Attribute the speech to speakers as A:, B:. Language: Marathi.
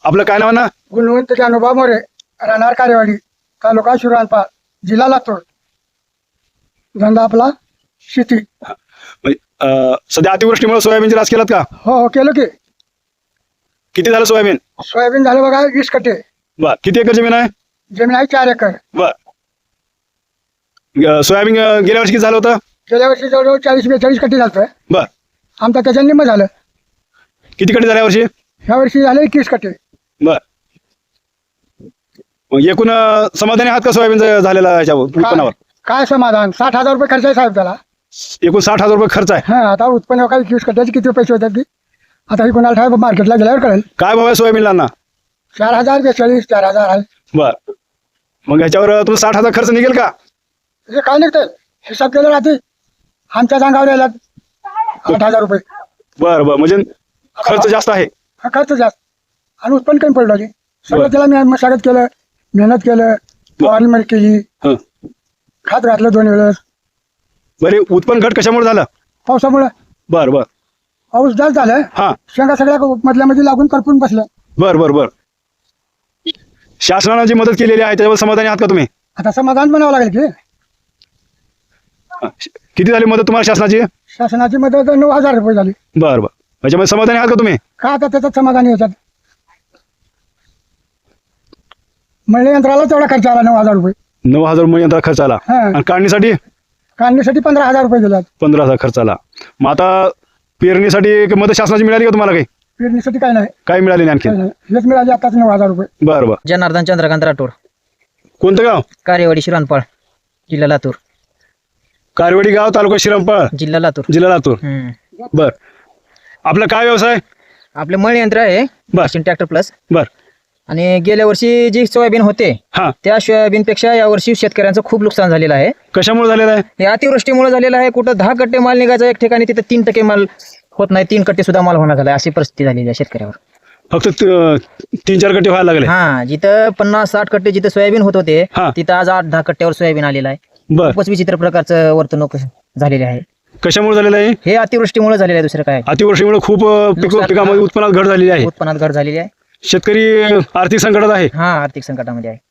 A: आपलं काय नाव ना?
B: गुणवंत जानोबा मोरे, राहणार कार्यवाडी, तालुका शिराळपार, जिल्हा लातूर. धंदा आपला शेती.
A: म्हणजे, सध्या अतिवृष्टीमुळे सोयाबीनची रास केलात का?
B: हो केलं की.
A: किती झालं सोयाबीन?
B: सोयाबीन झालं बघा 20 कट्टे.
A: बर. किती एकर जमीन आहे?
B: जमीन आहे 4 एकर.
A: बर. सोयाबीन गेल्या वर्षी किती झालं होतं?
B: गेल्या वर्षी जवळजवळ 40-42 कट्टे झालं.
A: बर.
B: आमचा त्याच्या निम्म झालं.
A: किती कट्टे झाल्या वर्षी?
B: ह्या वर्षी झाले 21 कट्टे.
A: बर. मग एकूण समाधानी आहात का सोयाबीन झालेला याच्यावर उत्पन्नावर?
B: काय समाधान, 60,000 रुपये खर्च आहे साहेब त्याला.
A: एकूण 60,000 रुपये खर्च आहे.
B: हा, आता उत्पन्न काय 21 कट्ट्याचे किती पैसे होतात की आता ही कोणाला साहेब मार्केटला गेल्यावर कळेल.
A: काय भाव आहे सोयाबीनला ना?
B: 4,042, 4,000 आहे.
A: बर. मग ह्याच्यावर तुला 60,000 खर्च निघेल का?
B: हे काय निघतंय हिसाब केलं राहते. आमच्या अंगावर यायला 8,000 रुपये.
A: बर बर. म्हणजे खर्च जास्त आहे.
B: हा खर्च जास्त आणि उत्पन्न कमी पडलं की सगळं त्याला मी मशागत केलं, मेहनत केलं, फवारणी मारी केली,
A: हं.
B: खात घातलं 2 वेळेस.
A: बरे. उत्पन्न घट कशामुळे झालं?
B: पावसामुळे.
A: बर बर.
B: पाऊस जास्त झालं.
A: हा.
B: शेंगा सगळ्या मधल्यामध्ये लागून करपून बसल्या.
A: बर बर बर. शासनानं जी मदत केलेली आहे त्याच्यावर समाधानी आहात का तुम्ही?
B: आता समाधान बनावं लागेल की.
A: हा. किती झाली मदत तुम्हाला शासनाची?
B: शासनाची मदत 9,000 रुपये झाली.
A: बर बर. याच्यामध्ये समाधानी आहात का तुम्ही?
B: का आता त्याच्यात समाधानी याच्यात मळणी यंत्राला तेवढा खर्च आला 9,000 रुपये.
A: 9,000 रुपये यंत्रा खर्च आला.
B: हा.
A: आणि काढणीसाठी
B: काढणीसाठी 15,000 रुपये दिल्यात.
A: 15,000 खर्च आला. मग आता पेरणीसाठी मदत शासनाची मिळाली का तुम्हाला? काही
B: पेरणीसाठी काय नाही.
A: काही मिळाली नाही आणखी?
B: काय नाही. हेच मिळाले आताच 9,000 रुपये.
A: बर बर.
C: जनार्दन चंद्रकांत राठोड,
A: कोणतं गाव?
C: कार्यवाडी शिराळपार, जिल्हा लातूर.
A: कारवाडी गाव, तालुका श्रीरामपाळ,
C: जिल्हा लातूर.
A: जिल्हा लातूर. बर. आपला काय व्यवसाय?
C: आपले मळणी यंत्र आहे
A: बर.
C: Machine tractor plus.
A: बर.
C: आणि गेल्या वर्षी जी सोयाबीन होते
A: हा.
C: त्या सोयाबीनपेक्षा यावर्षी शेतकऱ्यांचं खूप नुकसान झालेलं आहे.
A: कशामुळे झालेलं आहे?
C: हे अतिवृष्टीमुळे झालेलं आहे. कुठं 10 कट्टे माल निघायचा एक ठिकाणी, तिथं 3% माल होत नाही, 3 कट्टे सुद्धा माल होणार झाला, अशी परिस्थिती झालेली आहे शेतकऱ्यावर.
A: फक्त 3-4 कट्टे व्हायला लागले.
C: हा, जिथं 50-60 कट्टे जिथं सोयाबीन होत होते
A: हा.
C: तिथं आज 8-10 कट्ट्यावर सोयाबीन आलेलं आहे.
A: बर.
C: खूपच विचित्र प्रकारचं वर्तणूक झालेली आहे.
A: कशामुळे झालेलं आहे?
C: हे अतिवृष्टीमुळे झालेलं आहे, दुसरं काय.
A: अतिवृष्टीमुळे खूप
C: नुकसान.
A: पिकामध्ये उत्पन्नात घट झालेली आहे.
C: उत्पन्नात घट झालेली आहे.
A: शेतकरी आर्थिक संकटात आहे.
C: हा, आर्थिक संकटामध्ये आहे.